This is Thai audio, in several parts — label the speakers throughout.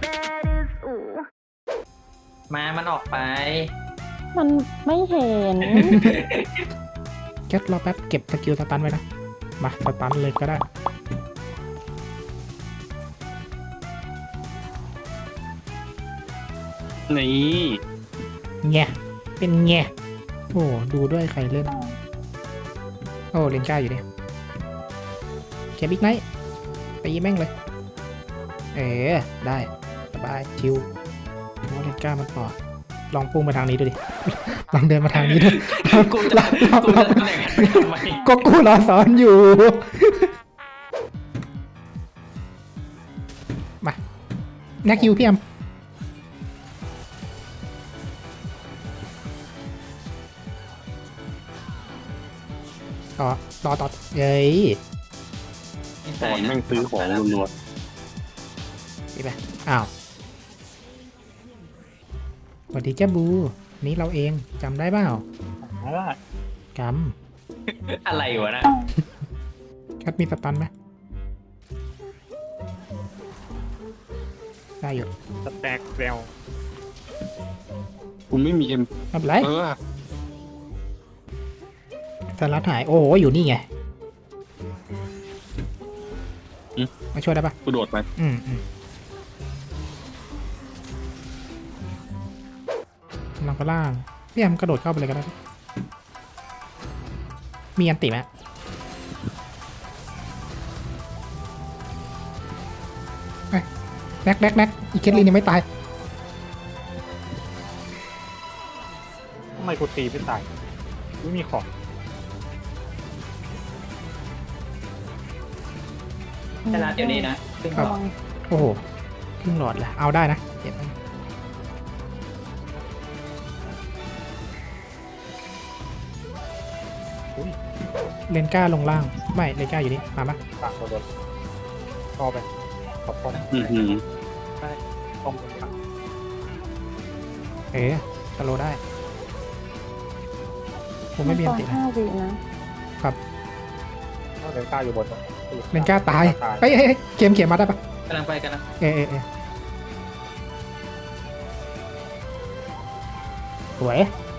Speaker 1: มามันออกไป
Speaker 2: มันไม่เห็น
Speaker 3: แคทรอแป๊บเก็บสกิลสตันไว้นะมาสตันเลยก็ได้
Speaker 4: นี่
Speaker 3: แงะเป็นแงะโอ้ดูด้วยใครเล่นโอ้เลนก้าอยู่เนี่ยเก็บบิ๊กไนท์ไปยิงแม่งเลยได้สบายชิวเพราะเลนก้ามันต่อลองพุ่งมาทางนี้ดูดิ ลองเดินมาทางนี้ดู
Speaker 1: กูจะกูจะทำอย่างนั้นทำไม
Speaker 3: ก็กูรอสอนอยู่ มาแน็กคิวพี่แอมต่อเย้ย
Speaker 4: ตอนแม่งซื้อของรัว
Speaker 3: ดีไปอ้าวสวัสดีเจ้าบูนี่เราเองจำได้เปล่า
Speaker 4: ๆอะไร
Speaker 3: จ
Speaker 1: อะไรวะนะ
Speaker 3: ำแคทมีสตันไหมได้อยู่
Speaker 4: สแต็กเซลคุณไม่มีเอ็ม
Speaker 3: ไม่เป็นไร
Speaker 4: เออ
Speaker 3: สลัดหายโอ้โหอยู่นี่ไงมาช่วยได้ปะ
Speaker 4: กูโดดไป
Speaker 3: ลองก็ล่างพี่แอมกระโดดเข้าไปเลยก็ได้มีอันติไหมแน็กอีเคทลินยังไม่ตาย
Speaker 4: ทำไมกูตีไม่ตายไม่มีของ
Speaker 1: ชนะเดี๋ยวนี้นะซึ่ง
Speaker 3: ครับ โอ้โหครึ่งหลอดละเอาได้นะเก็บไปเลนก้าลงล่างไม่เลนก้าอยู่นี่มาปะ
Speaker 4: ต่างตัวโดนต่อไปขอบคุณได้ต้มกัน
Speaker 3: สโลได้ผมไม่มีอันตินะ
Speaker 2: 5 วินะ
Speaker 4: เลนก้าอยู่บน
Speaker 3: เลนก้าตายเฮ้ยเข็มมาได้ปะ
Speaker 1: กำลังไปกันนะ
Speaker 3: สวย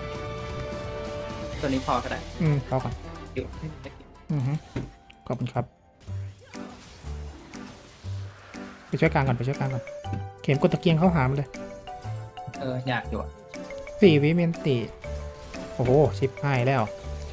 Speaker 1: ตัวนี้พอก็ได้
Speaker 3: พอก่อน
Speaker 1: อยู่
Speaker 3: ขอบคุณครับไปช่วยกลางก่อนเข็มกดตะเกียงเข้าหามันเลย
Speaker 1: อยากอยู่อะ
Speaker 3: 4 วิเมนติโอ้โหชิปหายแล้ว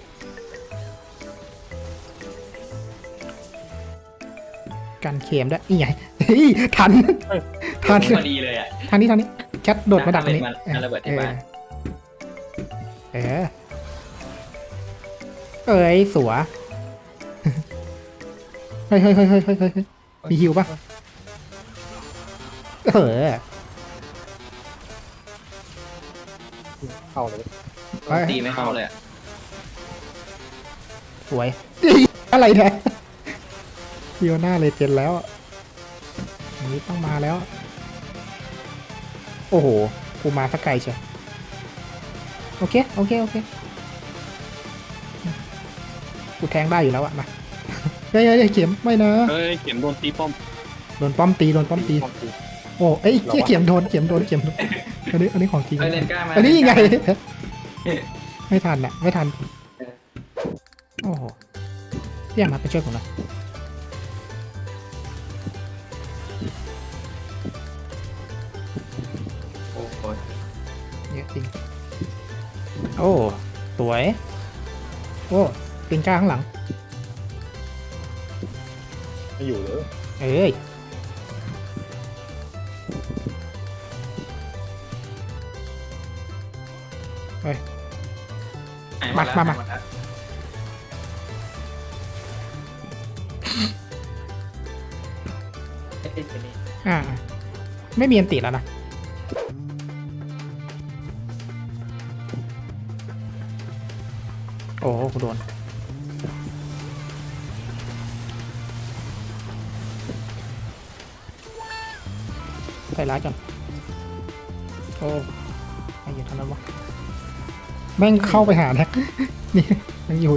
Speaker 3: กันเข็มด้วยอีไงทัน
Speaker 1: พอดีเลยอ่ะ
Speaker 3: ทางนี้แคทโดดมาดักตรงนี้
Speaker 1: มันระเบิดที่บ้าน
Speaker 3: เอ้ยสัวเฮ้ยมีฮิวปะ
Speaker 4: เข้าเลย
Speaker 1: ตีไม่เข้าเลยอะ
Speaker 3: สวย อะไรเนี่ยฟิโอน่าเลเจนด์แล้วอันนี้ต้องมาแล้ว โอ้โหกูมาสักไกลเชียวโอเคกูแทงได้อยู่แล้วอะมาเฮ้ยเข็มไม่นะ
Speaker 4: เฮ้ยเข็มโดนตีป้อม
Speaker 3: โดนป้อมตีโอ้เอ้ยเข็มโดนอันนี้ของจริง
Speaker 1: เลนก้ามา
Speaker 3: อันนี้ยังไงไม่ทันโอ้โหเรียกมาไปช่วยผมหน่อย
Speaker 1: โอ้โห
Speaker 3: เยอะจริงโอ้สวยโอ้ปิงก้าข้างหลัง
Speaker 4: ไม่อยู่เลย
Speaker 3: เอ้ยมา ไม่มีอันติแล้วนะโอ้กูโดนใส่ร้ายก่อนโอ้ไม่อยู่ทันแล้ววะแม่งเข้าไปหาแท็ก นี่ยังอยู่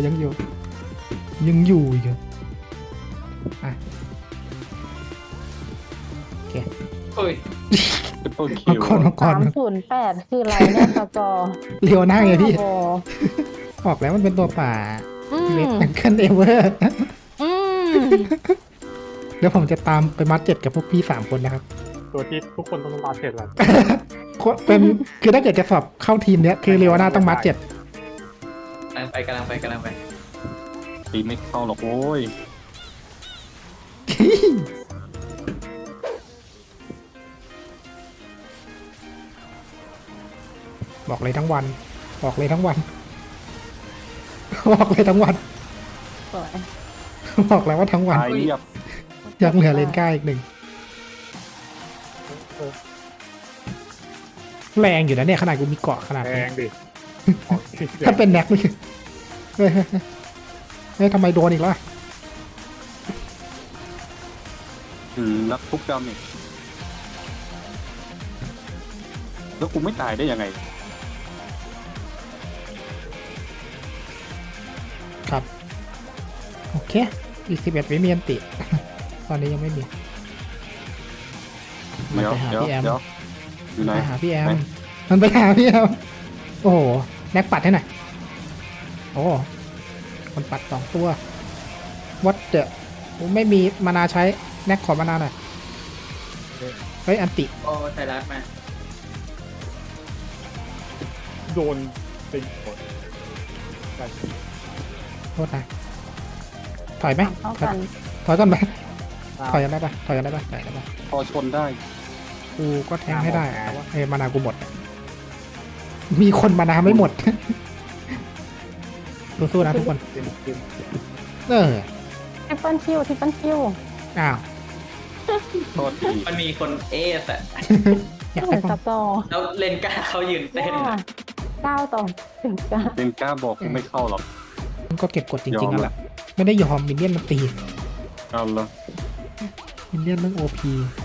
Speaker 3: อีกเหรออ่ะโอเค
Speaker 1: โอ้ย
Speaker 5: เป็นต้นคิ
Speaker 3: มัง
Speaker 5: ว
Speaker 3: กรมังกร
Speaker 2: 308 คืออะไรเนี่ยสกอร์
Speaker 3: เรียวหน้าไงพี่
Speaker 2: โอ้โห
Speaker 3: บอกแล้วมันเป็นตัวป่า
Speaker 2: อืม
Speaker 3: เล็กเกินเอเวอร์
Speaker 2: อืม
Speaker 3: เดี๋ยวผมจะตามไปมัดเจ็ดกับพวกพี่3 คนนะครับ
Speaker 4: ตัวที่ทุกคนต้องมาเสร็จแล้ว
Speaker 3: เป็นคือถ้าเกิดจะสอบเข้าทีมเนี้ยคือเรียวหน้าต้องมัด 7
Speaker 1: กำลังไป
Speaker 5: ตีไม่เข้าหรอกโว้ย
Speaker 3: บอกเลยทั้งวัน บอกเลยทั้งวัน บอกเลยทั้งวัน
Speaker 2: สวย
Speaker 3: บอกแล้วว่าทั้งวัน
Speaker 5: ตายเรียบ
Speaker 3: ยังเหลือเลนก้าอีก 1แรงอยู่นะเนี่ยขนาดกูมีเกาะขนาด
Speaker 4: แพ
Speaker 3: นี้
Speaker 4: งดิ
Speaker 3: ถ้าเป็นแน็กนี่เฮ้ยเฮ้ยทำไมโดนอีกแล้ว
Speaker 5: นักทุบดำนี่แล้วกูไม่ตายได้ยังไง
Speaker 3: ครับ โอเค อีก 11 วิมีอันติ ตอนนี้ยังไม่มี มัน
Speaker 5: เดี๋ยว
Speaker 3: ไปหา
Speaker 5: เดี๋ยว
Speaker 3: พี่แอม
Speaker 5: เดี๋ยวอยู่ไหน
Speaker 3: ไปหาพี่แอม
Speaker 5: ไหน
Speaker 3: มันไปหาพี่แอม โอ้โห แน็กปัดให้หน่อย โอ้คนปัด2 ตัว วัดเดอะผมไม่มีมานาใช้ แน็กขอมานาหน่อย เฮ้ย อันติ
Speaker 1: โอ้ไทยรัฐมา
Speaker 4: โดนเป็นคน
Speaker 3: โทษนะ ถอยไหม
Speaker 2: เท่ากัน
Speaker 3: ถอยก่อนไหมถอยกันได้ปะถอยกันได้ปะถอยกันได้ปะ
Speaker 5: พอชนได้
Speaker 3: กูก็แทงให้ได้แต่ว่ามานากูหมด มีคนมานาไม่หมด สู้ๆนะทุกคน เออ
Speaker 2: ทริปเปิลคิวทริปเปิลคิว
Speaker 3: อ้าว
Speaker 5: โทษที
Speaker 1: มันมีคนเอสอะ
Speaker 3: อยาก
Speaker 2: เหมื
Speaker 3: ได้
Speaker 2: อนส
Speaker 3: ป้อง
Speaker 2: กอร์
Speaker 1: แล้วเลนก้าเขายืนเต้นอะ
Speaker 2: 9 ต่อ 19
Speaker 5: เป็นกล้าบอกกูไม่เข้าหรอก
Speaker 3: มันก็เก็บกดจ
Speaker 5: ย
Speaker 3: ริ
Speaker 5: อง ม
Speaker 3: ๆนั่นแหละ ไม่ได้ยอมมินเนี่ยนมันตี
Speaker 5: เอาละ
Speaker 3: มินเนี่ยนมันโอพี
Speaker 5: เ